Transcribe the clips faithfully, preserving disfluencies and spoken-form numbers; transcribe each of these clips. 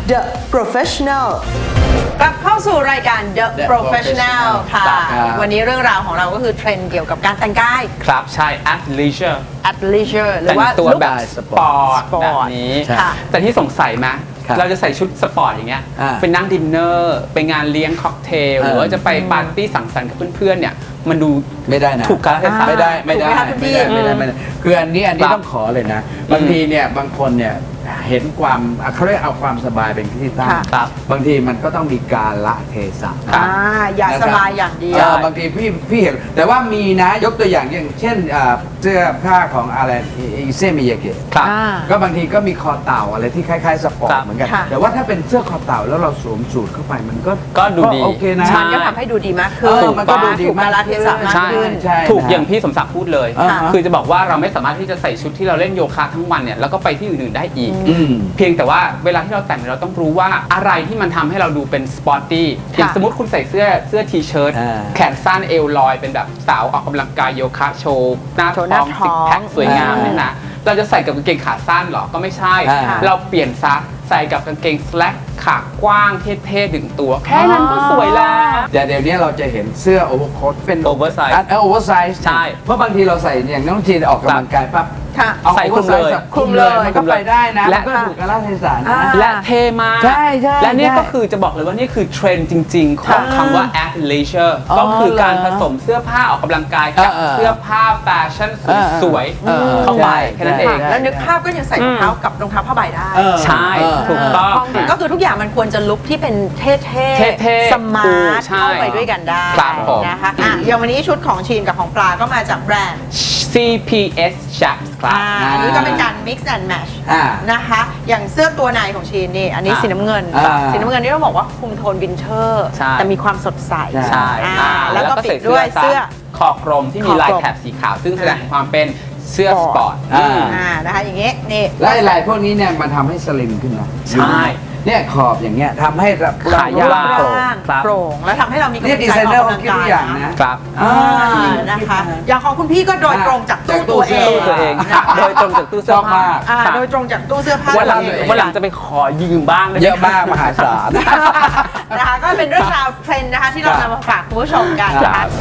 The Professional กลับเข้าสู่รายการ The Professional ค่ะ วันนี้เรื่องราวของเราก็คือเทรนด์เกี่ยวกับการแต่งกายครับใช่ at leisure at leisure หรืแต่อง ว่าตัวแบบสสปปออร์ร์ตตแบบนี้ค่ะแต่ที่สงสัยไหมครับเราจะใส่ชุดสปอร์ตอย่างเงี้ยอ่าไปนั่งดินเนอร์ไปงานเลี้ยงค็อกเทลเออหรือว่าจะไปปาร์ตี้สังสรรค์กับเพื่อนๆเนี่ยมันดูไม่ได้นะถูกกาลเทศะไม่ได้ไม่ได้ถูกไหมคะคุณพี่ไม่ได้ไม่ได้ไม่ได้คืออันนี้อันนี้ครับต้องขอเลยนะ บางทีเนี่ยบางคนเนี่ยเห็นความอ่ะเขาเรียกเอาความสบายเป็นที่ตั้งค่ะครับบางทีมันก็ต้องมีการละเทศะครับอ่าอย่าสบายอย่างเดียวเออบางทีพี่พี่เห็นแต่ว่ามีนะยกตัวอย่างอย่างเช่นอ่าเสื้อผ้าของอะไรอิเซมิยาเกะครับอ่าก็บางทีก็มีคอเต่าอะไรที่คล้ายๆสปอร์ครัตบเหมือนกันค่ะแต่ว่าถ้าเป็นเสื้อคอเต่าแล้วเราสวมสูทเข้าไปมันก็ก็ดูดีโอเคนะใช่มันก็ทำให้ดูดีมากขึ้เอน อมันก็ดูดีถูกกาลเทศะมากใช่ขึ้นใช่ถูกนะอย่างพี่สมศักดิ์พูดเลยอ่าฮะคือจะบอกว่าเราไม่สามารถที่จะใส่ชุดที่เราเล่นโยคะทั้งวันเนี่ยแล้วก็ไปที่อื่นๆได้อีกอืมเพียงแต่ว่าเวลาที่เราแต่งเราต้องรู้ว่าอะไรที่มันทำให้เราดูเป็นสปอร์ตี้อย่างสมมติคุณใส่เสื้อเสื้อทีเชิ้ตอ่าแขนสั้นเอวลอยเป็นแบบสาวออกกำลังกายโยคะโชว์หน้าโชท้ว์หน้าองท้ซิอก งแพคสวยงามอ่าเนี่ยนะเราจะใส่กับกางเกงขาสั้นเหรอก็ไม่ใช่อ่าเราเปลี่ยนซะใส่กับกางเกงสแลกขากว้างเท่ๆถึงตัว แค่นั้นก็สวยแล้วแต่เดี๋ยวนี้เราจะเห็นเสื้อโอเวอร์โค้ทเป็น Oversize อันโอเวอร์ไซส์ใช่เพราะบางทีเราใส่อย่างน้องจีนออกกำลังกายปั๊บค่ะเอาใส่คลุมเลย oversize คลุมเลยมันก็ไปได้นะและมันก็ถูกกาลเทศะนะอ่าและเท่มากใช่ใช่และนี่ใช่ก็คือจะบอกเลยว่านี่คือเทรนด์จริง ๆ ของค่ะคำว่า at leisure อ๋อก็คือการเหรอผสมเสื้อผ้าออกกำลังกายกับเออเออเสื้อผ้าแฟชั่นเออสวยเออๆเข้าไปใช่แค่นั้นเองใช่แล้วนึกภาพก็ยังใส่รองเท้ากับรองเท้าผ้าใบได้เออใช่เออถูกต้องก็คือทุกอย่างมันควรจะลุคที่เป็นเท่ๆเท่ๆสมาร์ทใช่เข้าไปด้วยกันได้ครับผมนะคะอ่ะอย่างวันนี้ชุดของชีนกับของปลาก็มาจากแบรนด์ซี พี เอส Chaps ครับอ่าอันนี้ก็เป็นการ mix and match อ่านะคะ อย่างเสื้อตัวในของชีนนี่ อันนี้อ่าสีน้ำเงินอ่าสีน้ำเงินนี่ต้องบอกว่าคุมโทนวินเทอร์ใช่แต่มีความสดใสใช่อ่าอ่าแล้วก็ปิใส่ดด้วยเสื้อคอกลมที่มีลายแถบสีขาว ซึ่งแสดงความเป็นเสื้อสปอร์ตอ่าอืมอ่านะคะอย่างงี้นี่และลายพวกนี้เนี่ยมันทำให้สลิมขึ้นนะใช่เนี่ยขอบอย่างเงี้ยทำให้เราขายาวเราโปร่งร่างครับโปร่งแล้วทำให้เรามีกำลังเนี่ยใจดีไซเนอร์กเขาคิดทุกอย่างนะครับอ่านะคะ อย่างของคุณพี่ก็โดยตรงจากตู้จากตู้ตัวเอเสื้งอตัวเองนะคะโดยตรงจากตู้เสื้อชอบผ้ามากอ่าครับโดยตรงจากตู้เสื้อผ้าวันหลังตัวเองวันหลังจะไปขอยืมบ้างได้ไหเยอะมากมหาศาลนะคะก็เป็นเรื่องราวเทรนด์นะคะที่เราครับนำมาฝากคุณผู้ชมกันคนะรัคะบ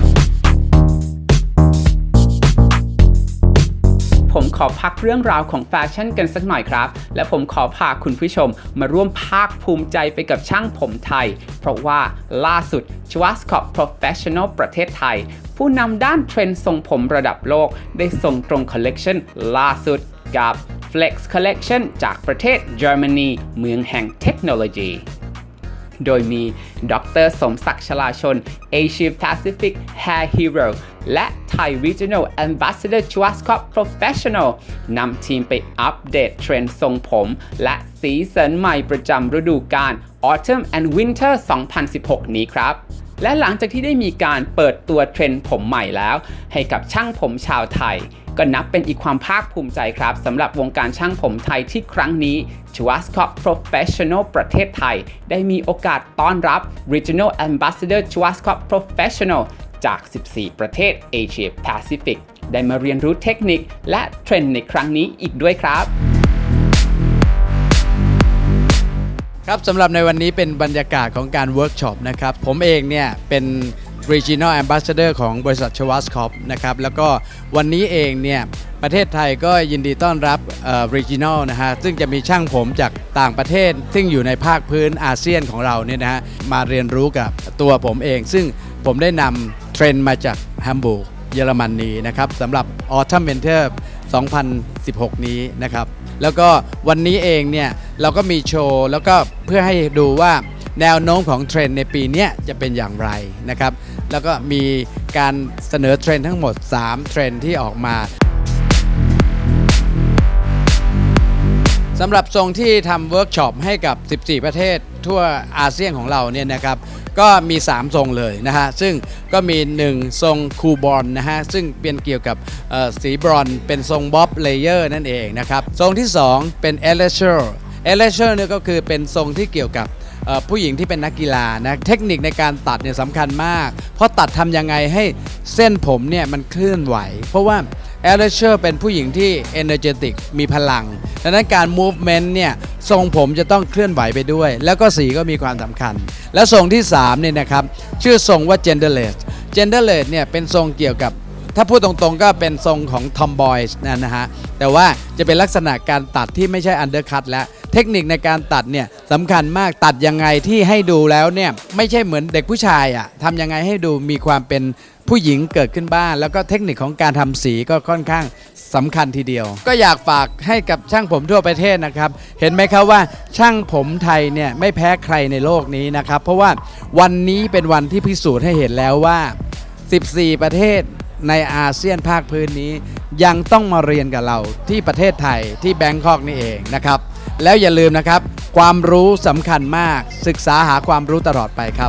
ผมขอพักเรื่องราวของแฟชั่นกันสักหน่อยครับ และผมขอพาคุณผู้ชมมาร่วมภาคภูมิใจไปกับช่างผมไทย เพราะว่าล่าสุด Schwarzkopf Professional ประเทศไทย ผู้นำด้านเทรนด์ทรงผมระดับโลก ได้ส่งตรงคอลเลกชันล่าสุดกับ Flex Collection จากประเทศเยอรมนีเมืองแห่งเทคโนโลยี โดยมีดรสมศักดิ์ชลาชน Asia Pacific Hair Hero และ Thai Regional Ambassador Schwarzkopf Professional นำทีมไปอัปเดตเทรนด์ทรงผม และสีสันใหม่ประจำฤดูกาล Autumn and Winter สองพันสิบหก นี้ครับ และหลังจากที่ได้มีการเปิดตัวเทรนด์ผมใหม่แล้ว ให้กับช่างผมชาวไทย ก็นับเป็นอีกความภาคภูมิใจครับสำหรับวงการช่างผมไทยที่ครั้งนี้ Schwarzkopf Professional ประเทศไทย ได้มีโอกาสต้อนรับ Regional Ambassador Schwarzkopf Professional จาก สิบสี่ ประเทศ Asia Pacific ได้มาเรียนรู้เทคนิคและเทรนด์ในครั้งนี้อีกด้วยครับครับสำหรับในวันนี้เป็นบรรยากาศของการเวิร์กช็อปนะครับผมเองเนี่ยเป็น Regional Ambassador ของบริษัท Schwarzkopf นะครับแล้วก็วันนี้เองเนี่ยประเทศไทยก็ยินดีต้อนรับเอ่อ Regional นะฮะซึ่งจะมีช่างผมจากต่างประเทศ ซึ่งอยู่ในภาคพื้นอาเซียนของเราเนี่ยนะฮะมาเรียนรู้กับตัวผมเอง ซึ่งผมได้นำเทรนด์มาจากแฮมบูร์กเยอรมนีนะครับสำหรับ Autumn Winter สองพันสิบหก นี้นะครับแล้วก็วันนี้เองเนี่ยเราก็มีโชว์แล้วก็เพื่อให้ดูว่าแนวโน้มของเทรนด์ในปีนี้จะเป็นอย่างไรนะครับแล้วก็มีการเสนอเทรนด์ทั้งหมดสามเทรนด์ที่ออกมาสำหรับทรงที่ทำเวิร์กช็อปให้กับสิบสี่ประเทศทั่วอาเซียนของเราเนี่ยนะครับก็มีสามทรงเลยนะฮะซึ่งก็มีหนึ่งทรงคูลบอลนะฮะซึ่งเป็นเกี่ยวกับสีบรอนซ์เป็นทรงบ๊อบเลเยอร์นั่นเองนะครับทรงที่สองเป็นเอเลเชอร์เอเลเชอร์เนี่ยก็คือเป็นทรงที่เกี่ยวกับผู้หญิงที่เป็นนักกีฬานะเทคนิคในการตัดเนี่ยสำคัญมากเพราะตัดทำยังไงให้เส้นผมเนี่ยมันเคลื่อนไหวเพราะว่าแอลเลเชอร์เป็นผู้หญิงที่ energetic มีพลังดังนั้นการ movement เนี่ยทรงผมจะต้องเคลื่อนไหวไปด้วย แล้วก็สีก็มีความสำคัญ และทรงที่สามเนี่ยนะครับชื่อทรงว่า genderless genderless เนี่ยเป็นทรงเกี่ยวกับถ้าพูดตรงๆก็เป็นทรงของ tomboy นะนะฮะแต่ว่าจะเป็นลักษณะการตัดที่ไม่ใช่ undercut แล้วเทคนิคในการตัดเนี่ยสำคัญมากตัดยังไงที่ให้ดูแล้วเนี่ยไม่ใช่เหมือนเด็กผู้ชายอะ่ะทำยังไงให้ดูมีความเป็นผู้หญิงเกิดขึ้นบ้างแล้วก็เทคนิคของการทำสีก็ค่อนข้างสำคัญทีเดียวก็อยากฝากให้กับช่างผมทั่วประเทศนะครับเห็นไหมครับว่าช่างผมไทยเนี่ยไม่แพ้ใครในโลกนี้นะครับเพราะว่าวันนี้เป็นวันที่พิสูจน์ให้เห็นแล้วว่าสิบสี่ประเทศในอาเซียนภาคพื้นนี้ยังต้องมาเรียนกับเราที่ประเทศไทยที่แบงคอกนี่เองนะครับแล้วอย่าลืมนะครับความรู้สำคัญมากศึกษาหาความรู้ตลอดไปครับ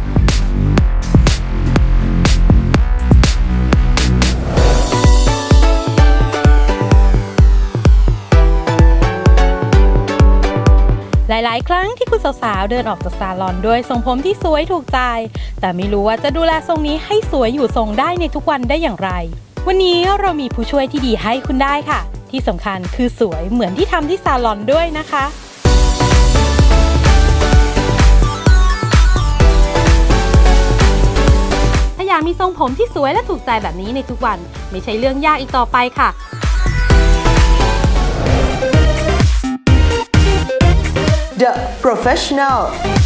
หลายๆ ครั้งที่คุณสาวๆเดินออกจากซาลอนด้วยทรงผมที่สวยถูกใจแต่ไม่รู้ว่าจะดูแลทรงนี้ให้สวยอยู่ทรงได้ในทุกวันได้อย่างไรวันนี้เรามีผู้ช่วยที่ดีให้คุณได้ค่ะที่สำคัญคือสวยเหมือนที่ทำที่ซาลอนด้วยนะคะถ้าอยากมีทรงผมที่สวยและถูกใจแบบนี้ในทุกวันไม่ใช่เรื่องยากอีกต่อไปค่ะ The Professional